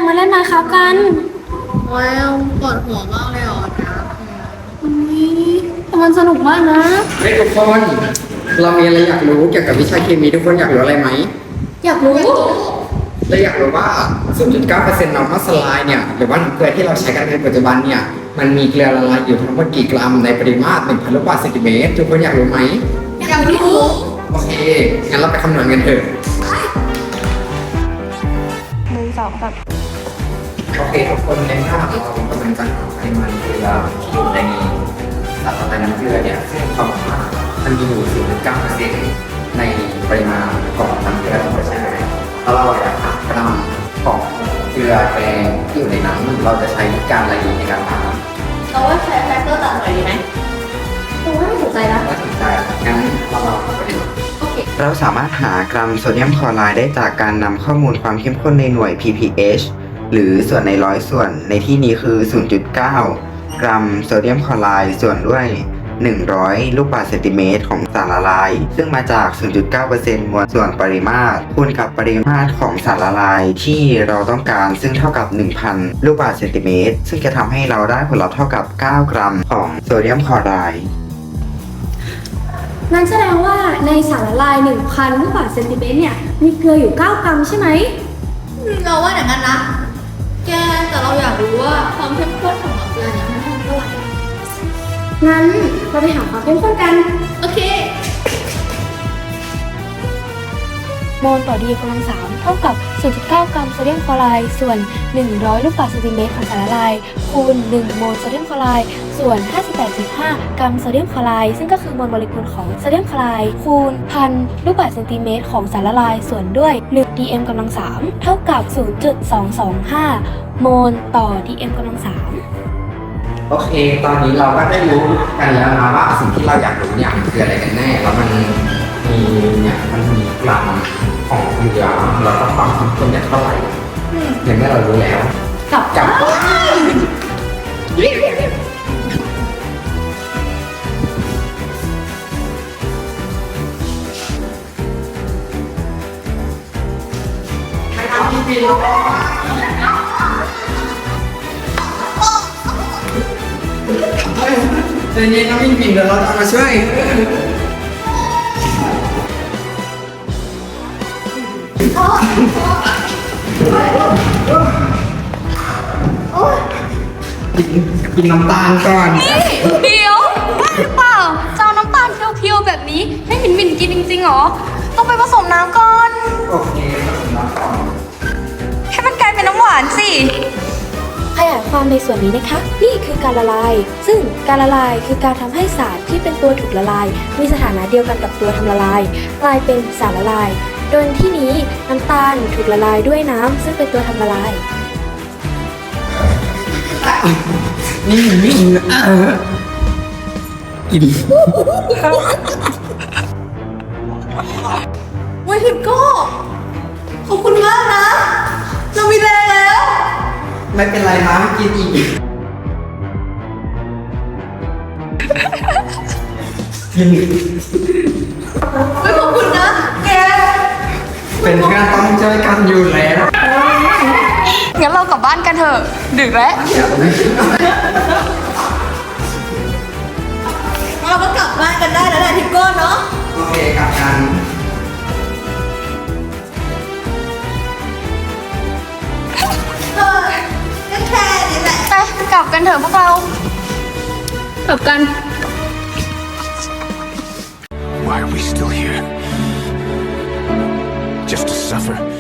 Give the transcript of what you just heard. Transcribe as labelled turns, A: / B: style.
A: มาเล่นนะครับกัน
B: ว้าวปวดหัวมากเลยอ่ะ
A: แต่มันสนุกมากนะ
C: เฮ้ยทุกคนเรามีอะไรอยากรู้เกี่ยวกับวิชาเคมีทุกคนอยากรู้อะไรไหม
A: อยากรู้
C: เราอยากรู้ว่า 0.9% normal slide เนี่ยหรือว่าน้ำเกลือที่เราใช้กันในปัจจุบันเนี่ยมันมีเกลือละลายอยู่ทั้งหมดกี่กรัมในปริมาตร 1,000 ลูกบาศก์เซนติเมตรทุกคนอยากรู้ไหม
B: อยากรู้
C: โอเคงั้นเราไปคำนวณกันเถอะ
A: 1 2 3
C: โอเคทุกคนในภาพเรากำลังจะหาปริมาณเกลือที่อยู่ในสารละลายน้ำเกลือเนี่ยซึ่งความหมายมันมีอยู่ 0.9% ในปริมาณของน้ำเกลือทั้งหมดใช่ไหมถ้าเราอยากหากรัมของเกลือแกงที่อยู่ในน้ำเราจะใช้การอะไรในการหา
B: เราว่าใช้แฟกเตอร์ตัดหน่อยดีไหม
A: ตัวน่าสนใจนะ
C: น่าสนใจงั้นเราไปดู
B: โอเค
D: เราสามารถหากรัมโซเดียมคลอไรด์ได้จากการนำข้อมูลความเข้มข้นในหน่วย ppH หรือส่วนในร้อยส่วนในที่นี้คือ 0.9 กรัมโซเดียมคลอไรด์ส่วนด้วย100 ลูกบาศก์เซนติเมตรของสารละลายซึ่งมาจาก 0.9% มวลส่วนปริมาตรคูณกับปริมาตรของสารละลายที่เราต้องการซึ่งเท่ากับ 1,000 ลูกบาศก์เซนติเมตรซึ่งจะทำให้เราได้ผลลัพธ์เท่ากับ 9 กรัมของโซเดียมคลอไรด์
A: นั่นแสดงว่าในสารละลาย 1,000 ลูกบาศก์เซนติเมตรเนี่ยมีเกลืออยู่ 9 กรัมใช่ไหม
B: เราว่าอย่างนั้นนะแกแต่เราอยากรู้ว่าความเข้มข้นของน้ำเกลือเนี่ยมันเท่าไหร่
A: งั้นเราไปหาความเข้มข้นกัน
B: โอเค
A: โมลต่อ DM กำลัง 3เท่ากับ 0.9 กรัมโซเดียมคลอไรด์ส่วน 100 ลูกบาศก์เซนติเมตรของสารละลายคูณ 1 โมลโซเดียมคลอไรด์ส่วน 58.5 กรัมโซเดียมคลอไรด์ซึ่งก็คือมวลโมเลกุลของโซเดียมคลอไรด์คูณ 1,000 ลูกบาศก์เซนติเมตรของสารละลายส่วนด้วย 1 DM กำลัง 3เท่ากับ 0.225 โมลต่อ DM กำลัง 3
C: โอเคตอนนี้เราก็ได้รู้กันแล้วนะว่าสิ่งที่เราอยากรู้เนี่ยมันคืออะไรกันแน่แล้วมันมีกรัมของเกลือแล้วก็ความเข้มข้นเนี่ยเท่าไหร่อย่างนี้เรารู้แล้วกับเดี๋ยวนี้น้องมินปิ่นเดี๋ยวเราจะมาช่วยกินน้ำตาลก่อน
B: เดี๋ยวบ้าหรือเปล่าจะเอาน้ำตาลเพียวๆแบบนี้ให้หมิ่นกินจริงๆหรอต้องไปผสมน้ำก่อน
C: โอเคผสมน้ำก่อน
B: ให้มันกลายเป็นน้ำหวานสิ
A: ขยายความในส่วนนี้นะคะนี่คือการละลายซึ่งการละลายคือการทำให้สารที่เป็นตัวถูกละลายมีสถานะเดียวกันกับตัวทำละลายกลายเป็นสารละลายโดยที่นี้น้ำตาลถูกละลายด้วยน้ำซึ่งเป็นตัวทำละลาย
C: นี่กิน
B: เว้ยทิปโก้ขอบคุณมากนะเรามีแรงแล้ว
C: ไม่เป็นไรนะไม่กินอีก
B: ไม่ขอบคุณนะแก
C: เป็นงานต้องช่วยกันอยู่แล้ว
B: งั้นเรากลับบ้านกันเถอะดึกแล้วเราก็กลับบ้านกันได้แล้วแหละทิปโก้เนาะ
C: โอเคกลับกัน
B: แค่นี้แหละไปกลับกันเถอะพวกเรา
A: กลับกัน
E: Why are we still here? Just to suffer?